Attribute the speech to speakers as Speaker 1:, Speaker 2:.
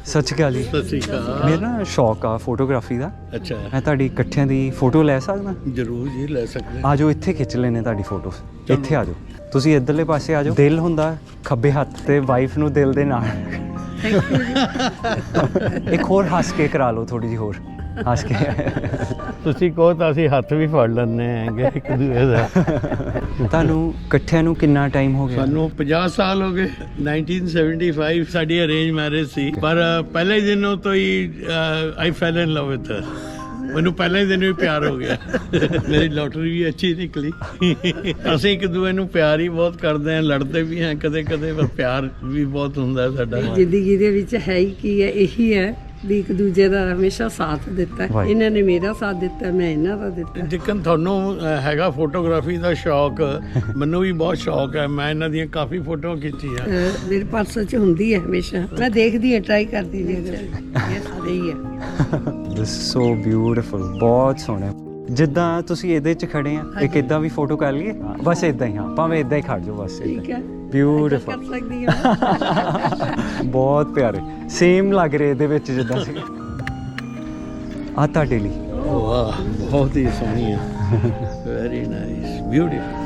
Speaker 1: ਸਤਿ ਸ਼੍ਰੀ ਅਕਾਲ ਜੀ।
Speaker 2: ਸਤਿ ਸ਼੍ਰੀ ਅਕਾਲ।
Speaker 1: ਮੇਰਾ ਨਾ ਸ਼ੌਕ ਆ ਫੋਟੋਗ੍ਰਾਫੀ ਦਾ।
Speaker 2: ਅੱਛਾ,
Speaker 1: ਮੈਂ ਤੁਹਾਡੀ ਇਕੱਠਿਆਂ ਦੀ ਫੋਟੋ ਲੈ ਸਕਦਾ?
Speaker 2: ਜ਼ਰੂਰ ਜੀ, ਲੈ ਸਕਦੇ
Speaker 1: ਆ ਜਾਓ, ਇੱਥੇ ਖਿੱਚ ਲੈਣੇ ਤੁਹਾਡੀ ਫੋਟੋ। ਇੱਥੇ ਆ ਜਾਓ, ਤੁਸੀਂ ਇੱਧਰਲੇ ਪਾਸੇ ਆ ਜਾਓ। ਦਿਲ ਹੁੰਦਾ ਖੱਬੇ ਹੱਥ ਤੇ, ਵਾਈਫ ਨੂੰ ਦਿਲ ਦੇ ਨਾਲ। ਇੱਕ ਹੋਰ ਹੱਸ ਕੇ ਕਰਾ ਲਓ, ਥੋੜੀ ਜਿਹੀ ਹੋਰ ਹੱਸ ਕੇ।
Speaker 2: ਤੁਸੀਂ ਕਹੋ ਤਾਂ ਅਸੀਂ ਹੱਥ ਵੀ ਫੜ ਲੈਂਦੇ ਹੈਗੇ ਇੱਕ ਦੂਏ ਦਾ।
Speaker 1: ਤੁਹਾਨੂੰ ਇਕੱਠਿਆਂ ਨੂੰ ਕਿੰਨਾ ਟਾਈਮ ਹੋ ਗਿਆ?
Speaker 2: ਸਾਨੂੰ 50 ਸਾਲ ਹੋ ਗਏ। 1975 ਸਾਡੀ ਅਰੇਂਜ ਮੈਰਿਜ ਸੀ, ਪਰ ਪਹਿਲੇ ਦਿਨੋਂ ਤੋਂ ਹੀ ਆਈ ਫੈਲ ਇਨ ਲਵ ਵਿਦ ਹਰ। ਮੈਨੂੰ ਪਹਿਲੇ ਦਿਨ ਵੀ ਪਿਆਰ ਹੋ ਗਿਆ। ਮੇਰੀ ਲੋਟਰੀ ਵੀ ਅੱਛੀ ਨਿਕਲੀ। ਅਸੀਂ ਇੱਕ ਦੂਏ ਨੂੰ ਪਿਆਰ ਹੀ ਬਹੁਤ ਕਰਦੇ ਹਾਂ, ਲੜਦੇ ਵੀ ਹਾਂ ਕਦੇ ਕਦੇ, ਪਰ ਪਿਆਰ ਵੀ ਬਹੁਤ ਹੁੰਦਾ ਸਾਡਾ।
Speaker 3: ਜ਼ਿੰਦਗੀ ਦੇ ਵਿੱਚ ਹੈ ਹੀ ਕੀ ਹੈ, ਇਹੀ ਹੈ ਵੀ ਇੱਕ ਦੂਜੇ ਦਾ ਹਮੇਸ਼ਾ ਸਾਥ ਦਿੱਤਾ। ਇਹਨਾਂ ਨੇ ਮੇਰਾ ਸਾਥ ਦਿੱਤਾ, ਮੈਂ ਇਹਨਾਂ ਦਾ ਦਿੱਤਾ।
Speaker 2: ਜਿੱਕਣ ਤੁਹਾਨੂੰ ਹੈਗਾ ਫੋਟੋਗ੍ਰਾਫੀ ਦਾ ਸ਼ੌਕ, ਮੈਨੂੰ ਵੀ ਬਹੁਤ ਸ਼ੌਕ ਹੈ। ਮੈਂ ਇਹਨਾਂ ਦੀਆਂ ਕਾਫੀ ਫੋਟੋਆਂ ਖਿੱਚੀਆਂ।
Speaker 3: ਮੇਰੇ ਪਰਸ 'ਚ ਹੁੰਦੀ ਹੈ ਹਮੇਸ਼ਾ, ਮੈਂ ਦੇਖਦੀ ਹਾਂ, ਟਰਾਈ ਕਰਦੀ ਹਾਂ। ਇਹ ਸਾਰੇ ਹੀ ਹੈ।
Speaker 1: ਦਿਸ ਸੋ ਬਿਊਟੀਫੁਲ, ਬਹੁਤ ਸੋਹਣਾ। ਜਿੱਦਾਂ ਤੁਸੀਂ ਇਹਦੇ 'ਚ ਖੜੇ ਆ, ਇੱਕ ਇਦਾਂ ਵੀ ਫੋਟੋ ਕਰ ਲਈਏ? ਬਸ ਇਦਾਂ ਹੀ, ਹਾਂ, ਭਾਵੇਂ ਇਦਾਂ ਹੀ ਖੜ ਜਾਓ, ਬਸ
Speaker 3: ਠੀਕ ਹੈ,
Speaker 1: ਬਿਊਟੀਫੁਲ।
Speaker 3: ਕਰ ਸਕਦੀ ਹਾਂ।
Speaker 1: ਬਹੁਤ ਪਿਆਰੇ, ਸੇਮ ਲੱਗ ਰਹੇ ਇਹਦੇ ਵਿੱਚ ਜਿੱਦਾਂ ਸੀ। ਆ ਤੁਹਾਡੇ ਲਈ।
Speaker 2: ਵਾਹ, ਬਹੁਤ ਹੀ ਸੋਹਣੀ ਹੈ। Very nice, beautiful.